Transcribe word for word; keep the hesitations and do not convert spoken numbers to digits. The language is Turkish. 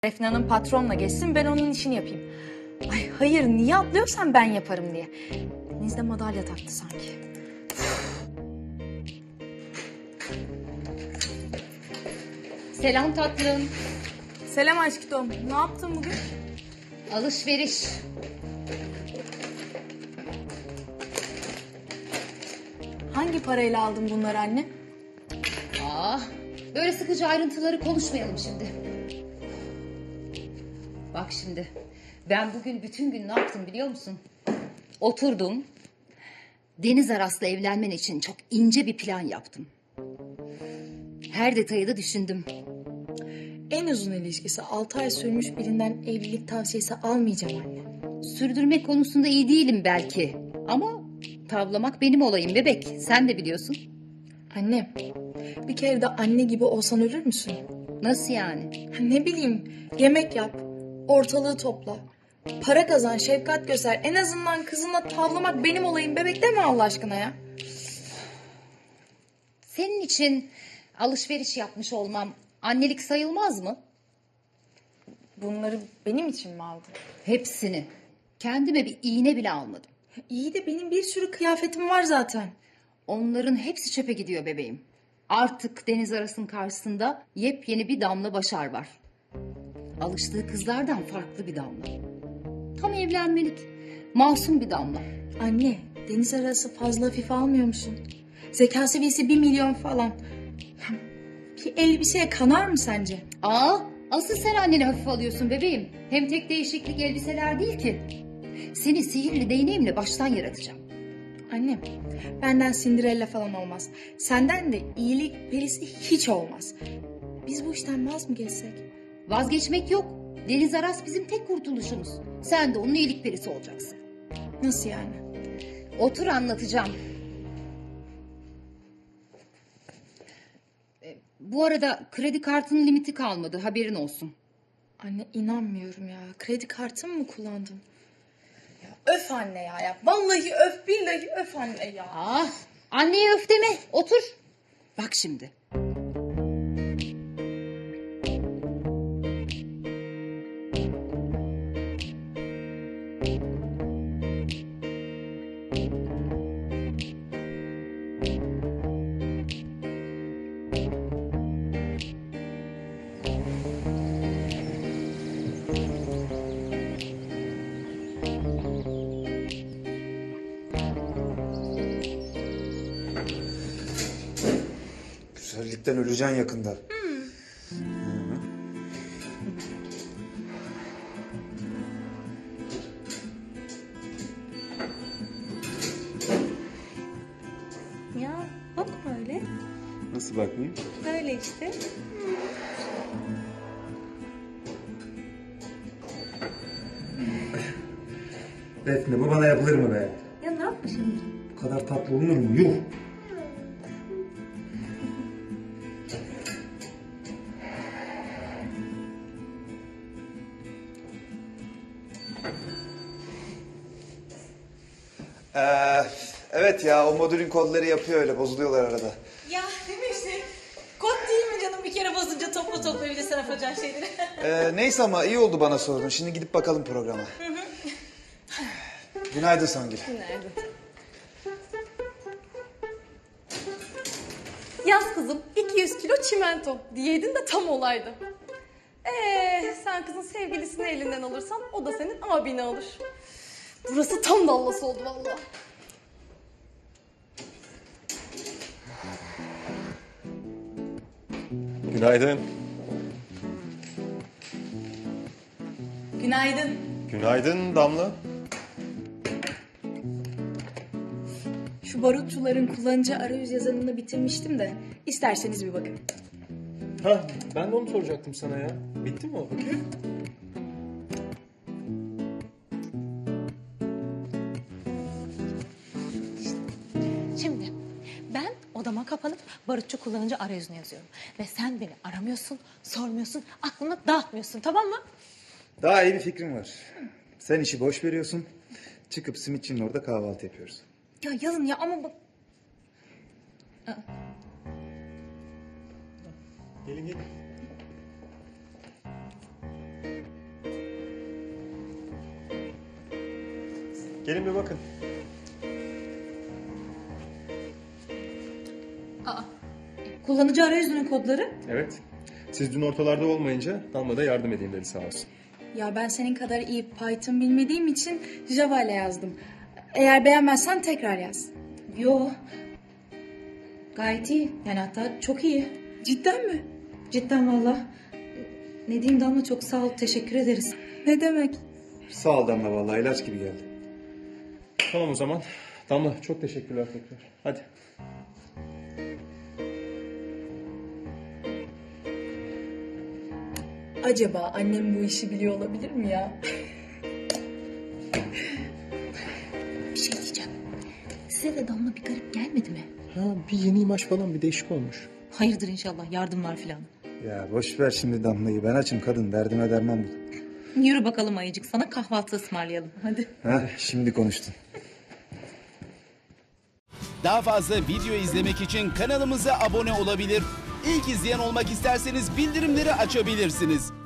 Defne Hanım patronla geçsin, ben onun işini yapayım. Ay hayır, niye atlıyorsan ben yaparım diye. Deniz de madalya taktı sanki. Selam tatlım. Selam aşkım. Ne yaptın bugün? Alışveriş. Hangi parayla aldın bunları anne? Aa, böyle sıkıcı ayrıntıları konuşmayalım şimdi. Bak şimdi, ben bugün bütün gün ne yaptım biliyor musun? Oturdum, Deniz Aras'la evlenmen için çok ince bir plan yaptım. Her detayı da düşündüm. En uzun ilişkisi altı ay sürmüş birinden evlilik tavsiyesi almayacağım anne. Sürdürmek konusunda iyi değilim belki. Ama tavlamak benim olayım bebek. Sen de biliyorsun. Anne, bir kere de anne gibi olsan ölür müsün? Nasıl yani? Ne bileyim, yemek yap, ortalığı topla. Para kazan, şefkat göster. En azından kızınla tavlamak benim olayım bebek deme Allah aşkına ya. Senin için alışveriş yapmış olmam annelik sayılmaz mı? Bunları benim için mi aldın? Hepsini. Kendime bir iğne bile almadım. İyi de benim bir sürü kıyafetim var zaten. Onların hepsi çöpe gidiyor bebeğim. Artık Deniz Aras'ın karşısında yepyeni bir Damla Başar var. Alıştığı kızlardan farklı bir Damla. Tam evlenmelik. Masum bir Damla. Anne, deniz arası fazla hafife almıyor musun? Zeka seviyesi bir milyon falan. Bir elbiseye kanar mı sence? Aa, asıl sen anneni hafife alıyorsun bebeğim. Hem tek değişiklik elbiseler değil ki. Seni sihirli değneğimle baştan yaratacağım. Anne, benden Cinderella falan olmaz. Senden de iyilik perisi hiç olmaz. Biz bu işten vaz mı geçsek? Vazgeçmek yok. Deniz Aras bizim tek kurtuluşumuz. Sen de onun iyilik perisi olacaksın. Nasıl yani? Otur anlatacağım. E, Bu arada kredi kartının limiti kalmadı, haberin olsun. Anne inanmıyorum ya. Kredi kartımı mı kullandın? Ya öf anne ya, ya. Vallahi öf, billahi öf anne ya. Ah, anneye öf deme, otur. Bak şimdi. Güzellikten öleceksin yakında. Hı. Ya bakma öyle. Nasıl bakmayayım? Böyle işte. Defne bu bana yapılır mı be? Ya ne yapmışım? Bu kadar tatlı olunur mu? Yuh! Ee, evet ya o modülün kodları yapıyor öyle bozuluyorlar arada. Ya değil mi işte? Kod değil mi canım? Bir kere bozunca topla topla bir de sen yapacağın şeyleri. Ee, neyse ama iyi oldu bana sordun. Şimdi gidip bakalım programa. Günaydın Songül. Yaz kızım iki yüz kilo çimento diyeydin de tam olaydı. Ee, sen kızın sevgilisini elinden alırsan o da senin abini alır. Burası tam dallası oldu vallahi. Günaydın. Günaydın. Günaydın Damla. Şu barutçuların kullanıcı arayüz yazarını bitirmiştim de isterseniz bir bakın. Ha, ben de onu soracaktım sana ya. Bitti mi o? Şimdi ben odama kapanıp barutçu kullanıcı arayüzünü yazıyorum. Ve sen beni aramıyorsun, sormuyorsun, aklını dağıtmıyorsun, tamam mı? Daha iyi bir fikrim var. Sen işi boş veriyorsun. Çıkıp simitçinin orada kahvaltı yapıyoruz. Ya yazın ya ama bak. Gelin gelin. Gelin bir bakın. Kullanıcı arayüzünün kodları. Evet. Siz dün ortalarda olmayınca Damla da yardım edeyim dedi sağ olsun. Ya ben senin kadar iyi Python bilmediğim için Java ile yazdım. Eğer beğenmezsen tekrar yaz. Yo. Gayet iyi. Yani hatta çok iyi. Cidden mi? Cidden valla. Ne diyeyim Damla, çok sağ ol. Teşekkür ederiz. Ne demek? Sağ ol Damla, vallahi ilaç gibi geldi. Tamam o zaman. Damla çok teşekkürler tekrar. Hadi. Acaba annem bu işi biliyor olabilir mi ya? Bir şey diyeceğim. Size de Damla bir garip gelmedi mi? Ha, bir yeni imaj falan bir değişik olmuş. Hayırdır inşallah, yardımlar filan. Ya boş ver şimdi Damla'yı. Ben açım kadın. Derdime derman bul. Yürü bakalım ayıcık, sana kahvaltı ısmarlayalım. Hadi. Ha, şimdi konuştun. Daha fazla video izlemek için kanalımıza abone olabilir. İlk izleyen olmak isterseniz bildirimleri açabilirsiniz.